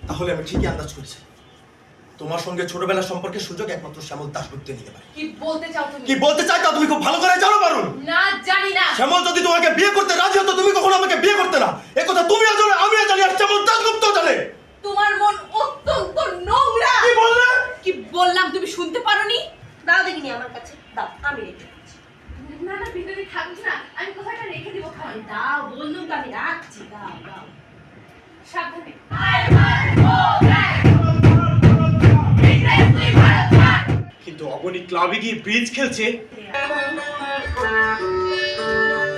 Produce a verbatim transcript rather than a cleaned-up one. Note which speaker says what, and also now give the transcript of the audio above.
Speaker 1: তাহলে আমি ঠিকই আন্দাজ করেছি তোমার সঙ্গে ছোটবেলার সম্পর্কের সুযোগ একমাত্র শ্যামল দাশগুপ্ত নিতে পারে।
Speaker 2: কি বলতে চাও তুমি?
Speaker 1: কি বলতে চাই তা তুমি খুব ভালো করে জানো পারুন।
Speaker 2: না, জানি না।
Speaker 1: শ্যামল যদি তোমাকে বিয়ে করতে রাজি হতো তুমি কখনো আমাকে বিয়ে করতে না। এই কথা তুমিও জানো, আমিও জানি, আর শ্যামল দাশগুপ্ত জানে।
Speaker 2: তোমার মন অত্যন্ত নোংরা।
Speaker 1: কি বললে?
Speaker 2: কি বললাম তুমি শুনতে পারোনি?
Speaker 3: দাও দেখিনি আমার কাছে, দাও আমি রেখে দিচ্ছি।
Speaker 2: না না, ভিতরে থাকবে না, আমি কোথাটা রেখে দিব খালি।
Speaker 3: দাও, বললুম তো আমি রাখছি, দাও দাও।
Speaker 2: সাবধানে।
Speaker 4: কিন্তু অবনী ক্লাবে গিয়ে ব্রিজ খেলছে।